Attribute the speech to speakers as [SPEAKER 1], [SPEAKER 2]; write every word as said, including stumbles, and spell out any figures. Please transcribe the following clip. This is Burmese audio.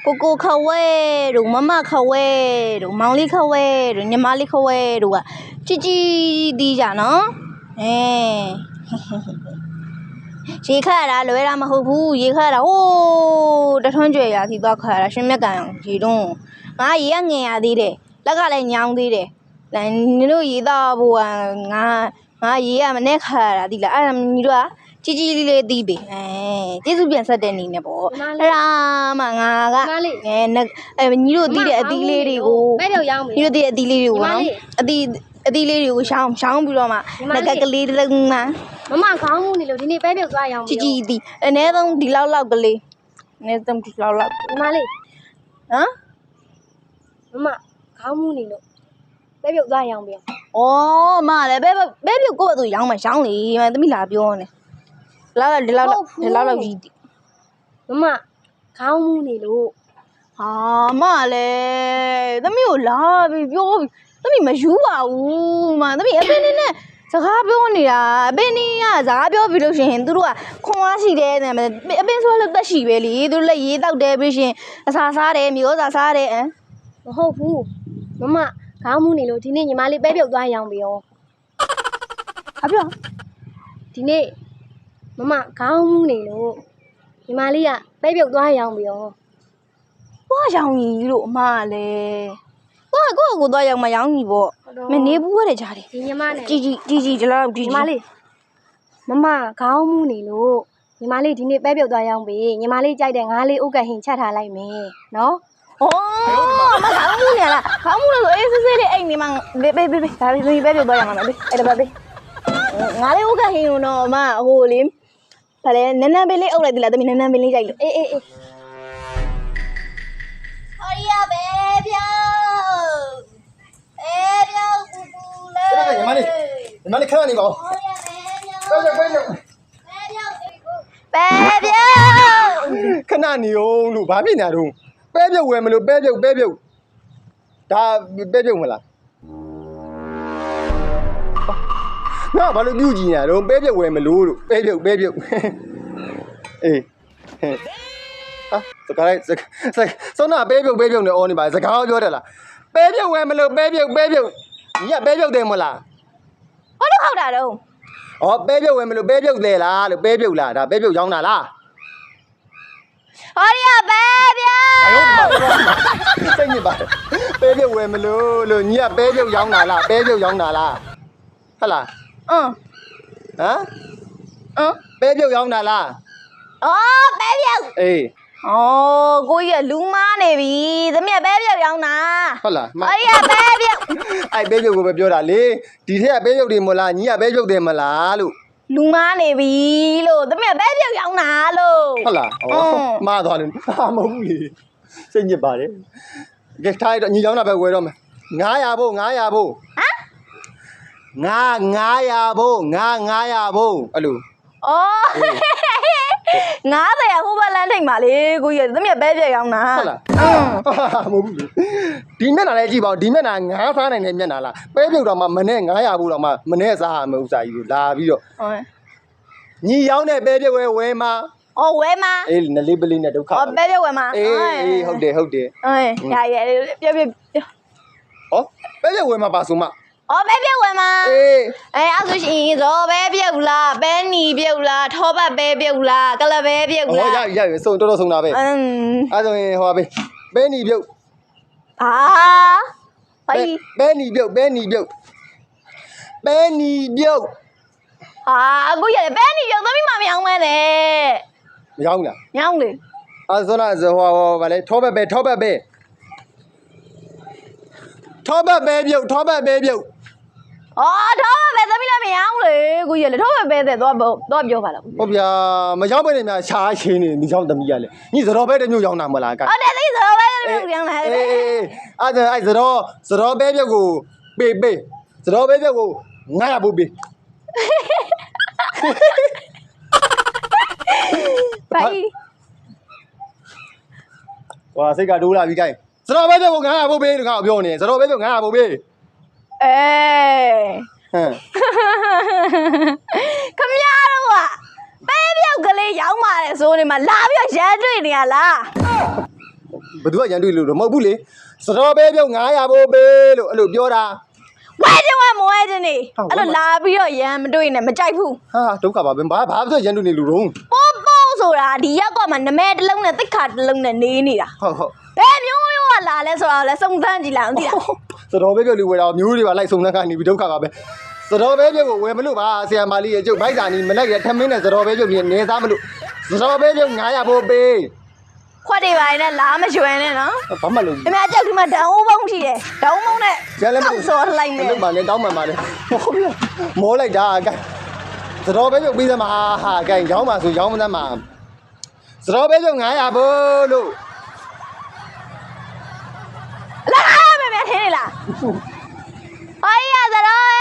[SPEAKER 1] ကိုကိုခဝဲတို့မမခဝဲတို့မောင်လေးခဝဲတို့ညီမလေးခဝဲတို့ကជីជីတီးကြနော်အဲရေခတ်ရတာလွယ်တာမဟုတ်ဘူးရေခတ်ရတာဟိုးတထွန်းကြွယ်ရာစီသွားခတ်ရတာရှင်မြက်ကန်ရေတုံးငါရေကငင်ရသေးတယ်လက်ကလည်းညောင်းသေးတယ်နင်တို့ရေသားဖို့ကငါငါရေကမနဲ့ခတ်ရတာဒီလားအဲ့ဒါညီတို့ကជីជីလေးလေးတီးပြီအဲကျေးဇူးပြန်ဆက်တဲ့နေနဲ့ပေါ့အဲ့ဒါမှငါကအဲအဲညီတို့တီးတဲ့အသီးလေးတွေကိုညီတို့တီးတဲ့အသီးလေးတွေကိုနော်အသီးအသီးလေးတွေကိုရှောင်းရှောင်းပြီးတော့မှငကကလေးတစ်လုံးမှမမခေါင်းမှုနေလို့ဒီနေ့ပဲပြုတ်သွားရအောင်ជីជីတီးအနည်းဆုံးဒီလောက်လောက်ကလေးအနည်းဆုံးဒီလောက်လောက်ညီမလေးဟမ်မမခေါင်းမှုနေလို့ပဲပြုတ်သွားရအောင်ပြန်ဩမလည်းပဲပဲပြုတ်ကိုယ့်အတူရောင်းမှရောင်းလေမသမီးလာပြောနေလာလာဒီလောက်ဒီလောက်လောက်ကြီးမမခေါင်းမှုနေလို့ဟာမလည်းသမီးကိုလာပြီးပြောပြီးသမီးမယူပါဘူးမသမီးအပင်းနေနဲ့စကားပြောနေတာအပင်းနေကစကားပြောပြီးလို့ရှိရင်သူတို့ကခွန်အားရှိတယ်အပင်းဆိုလို့တက်ရှိပဲလေသူတို့လည်းရေးတောက်တယ်ပြီးရှင်အစာစားတယ်မျိုးစားစားတယ်မဟုတ်ဘူးမမခေါင်းမှုနေလို့ဒီနေ့ညီမလေးပဲပြုတ်သွားရအောင်ပြောဟာပြောဒီနေ့မမခေါင်းမှုနေလို့ညီမလေးကပဲပြုတ်သွားရအောင်ပြောသွားရောင်ကြီးလို့အမလည်းသွားကိုကိုသွားရောင်မရောင်ကြီးပေါ့မနေဘူးခဲ့ကြတယ်ဒီညီမနဲ့ជីជីជីជីဒီလောက်ជីညီမလေးမမခေါင်းမှုနေလို့ညီမလေးဒီနေ့ပဲပြုတ်သွားရအောင်ပြီညီမလေးကြိုက်တဲ့ငါးလေးဥက္ကဟင်ချက်ထားလိုက်မယ်နော်ဩမခေါင်းမှုနေလားခေါင်းမှုလို့အေးစစ်စစ်လေးအိမ်နေမှာဘေးဘေးဘေးဒါပဲပဲပြုတ်သွားရမှာဘေးအဲ့ဒါပဲဘေးငါးလေးဥက္ကဟင်တော့အမဟိုလေဘာလဲနန်းနန်းပင်လေးအုပ်လိုက်သလားတမီးနန်းနန်းပင်လေးကြိုက်လို့အေးအေးအေးဟောရပဲပြောအေးပြောကူကူလေညီမလေးညီမလေးခဏနေပါဦးဟောရပဲပြောပဲပြောပဲပြောခဏနေအောင်လို့ဘာဖြစ်နေတော့ပဲပြုတ်ဝယ်မလို့ပဲပြုတ်ပဲပြုတ်ဒါပဲပြုတ်မလားငါဘာလို့ပြုတ်ကြည့်နေရတော့ပဲပြုတ်ဝယ်မလို့လို့ပဲပြုတ်ပဲပြုတ်အေးဟာစကားလိုက်စောနာပဲပြုတ်ပဲပြုတ်နေအော်နေပါစကားပြောတယ်လားပဲပြုတ်ဝယ်မလို့ပဲပြုတ်ပဲပြုတ်ညီကပဲပြုတ်တယ်မလားဘာလို့ခောက်တာတော့ဩပဲပြုတ်ဝယ်မလို့ပဲပြုတ်တယ်လားလို့ပဲပြုတ်လားဒါပဲပြုတ်ရောင်းတာလားဟောရပဲပြောစိတ်ညစ်ပါပဲပြုတ်ဝယ်မလို့လို့ညီကပဲပြုတ်ရောင်းတာလားပဲပြုတ်ရောင်းတာလားဟုတ်လားအင်းဟမ်အင်းပဲပြုတ်ရောင်းတာလားအော်ပဲပြုတ်အေးအော်ကိုကြီးကလူမားနေပြီသမီးကပဲပြုတ်ရောင်းတာဟုတ်လားဟောရပဲပြုတ်အဲ့ပဲပြုတ်ကိုပဲပြောတာလေဒီထက်ကပဲပြုတ်တယ်မလားညီကပဲပြုတ်တယ်မလားလို့လူမားနေပြီလို့သမီးကပဲပြုတ်ရောင်းတာလို့ဟုတ်လားဩမှားသွားတယ်ဟာမဟုတ်ဘူးလေစိတ်ညစ်ပါတယ်ကဲထားရတော့ညီရောင်းတာပဲဝယ်တော့မယ်ငါးရာဖို့ငါးရာဖို့ဟမ်ငါငါးရာဖို့ငါငါးရာဖို့အဲ့လိုဩငါးရာဟိုဘက်လမ်းထိတ်မှာလေကိုကြီးသမီးကပဲပြုတ်ရောင်းတာဟုတ်လားအင်းမဟုတ်ဘူးလေဒီမျက်နှာလေးကြည့်ပါဦးဒီမျက်နှာငါးစားနိုင်တဲ့မျက်နှာလားပဲပြုတ်တော့မှမနဲ့ငါးရာဖို့တော့မှမနဲ့စားရမယ်ဥစားကြီးလာပြီးတော့ဟုတ်ညီရောင်းတဲ့ပဲပြုတ်ဝဲဝဲမှာအော်ဝဲမှာအေးနလေးပလေးနဲ့ဒုက္ခအော်ပဲပြုတ်ဝဲမှာအေးအေးဟုတ်တယ်ဟုတ်တယ်အေးရရပြပြဟောပဲပြုတ်ဝဲမှာပါဆိုမှအော်ပဲပြုတ်ဝဲမှာအေးအဲအဲ့ဆိုရှင်ရောပဲပြုတ်လားပဲနီပြုတ်လားထောပတ်ပဲပြုတ်လားကလပဲပြုတ်လားဟောရရစုံတော်တော်စုံတာပဲအင်းအဲ့ဆိုရင်ဟောပဲပဲနီပြုတ်ဟာဟိုပဲနီပြုတ်ပဲနီပြုတ်ပဲနီပြုတ်ဟာအခုရပဲနီပြုတ်သမီးမမရောင်းမဲလေမရောင်းလားရောင်းလေအဲ့ဆိုတော့ဟောဟောဗာလေထောပတ်ပဲထောပတ်ပဲထောပတ်ပဲပြုတ်ထောပတ်ပဲပြုတ်အော်ထောပတ်ပဲသမီးလည်းမရောင်းလေကိုကြီးလေထောပတ်ပဲတဲ့တော့တော့ပြောပါလားဟုတ်ဗျာမရောင်းပဲနေများရှားချင်းနေမရောင်းသမီးရလေညီစတော်ပဲတမျိုးရောင်းတာမလားကဟုတ်တယ်သမီးစတော်ပဲတမျိုးရောင်းတာအေးအေးအဲ့ဒါအဲ့စတော်စတော်ပဲပြုတ်ကိုပေးပေးစတော်ပဲပြုတ်ကိုငါရဖို့ပေးဘိုင်ဝါစိတ်ကတိုးလာပြီကိုင်းစတော်ပဲပြုတ်ကိုငါရဖို့ပေးလို့ငါပြောနေစတော်ပဲပြုတ်ငါရဖို့ပေးအေးဟမ်ခမရတော့ကပဲပြုတ်ကလေးရောင်းပါတယ်ဆိုနေမှာလာပြီးရန်တွေ့နေရလား
[SPEAKER 2] ဘသူကရန်တွေ့လို့တော့မဟုတ်ဘူးလေစတော်ပဲပြုတ်900ဘိုးပေးလို့အဲ့လိုပြောတာ
[SPEAKER 1] ဝဲချင်းဝဲမဝဲချင်းနေအဲ့လိုလာပြီးတော့ရန်မတွေ့နဲ့မကြိုက်ဘူး
[SPEAKER 2] ဟာဒုက္ခပါပဲဘာဘာဆိုရန်တွေ့နေလူတော့
[SPEAKER 1] ပိုးပိုးဆိုတာဒီရက်ကမှနမဲတစ်လုံးနဲ့တိတ်ခါတစ်လုံးနဲ့နေနေတာ
[SPEAKER 2] ဟုတ်ဟုတ်
[SPEAKER 1] ဘယ်မျိုးမျိုးကလာလဲဆိုတော့လဲစုံစမ်းကြည့်လိုက်အောင်သိလား
[SPEAKER 2] စတော်ပဲပြုတ်လူဝယ်တော့မျိုးတွေပါလိုက်စုံစမ်းကနေပြီးဒုက္ခပါပဲစတော်ပဲပြုတ်ကိုဝယ်မလို့ပါဆရာမလေးရဲ့ကျုပ်ဘိုက်စာနီမလိုက်ရထမင်းနဲ့စတော်ပဲပြုတ်ပြီးနေသားမလို့စတော်ပဲပြုတ်900ဘိုးပေး
[SPEAKER 1] ခွက်တွေပါနဲ့လာမရွှဲနဲ့နော်
[SPEAKER 2] ဘာမှလို့
[SPEAKER 1] အမေကြောက်ဒီမှာဓာတ်ဦးပုံးရှိတယ်ဓာတ်ဦးပုံးနဲ့
[SPEAKER 2] ကျန်လည်းမ
[SPEAKER 1] စော်လိုက်မယ်
[SPEAKER 2] လို့ပါနဲ့တောင်းမှန်ပါလေဟုတ်ပြီမောလိုက်တာကဲစတော်ပဲပြုတ်ပြီးသမှာဟာကဲရောင်းပါဆိုရောင်းမသမှာစတော်ပဲပြုတ်900ဘိုးလို့
[SPEAKER 1] လာမယ်မယ်ထင်းနေလားအိုင်ရသရော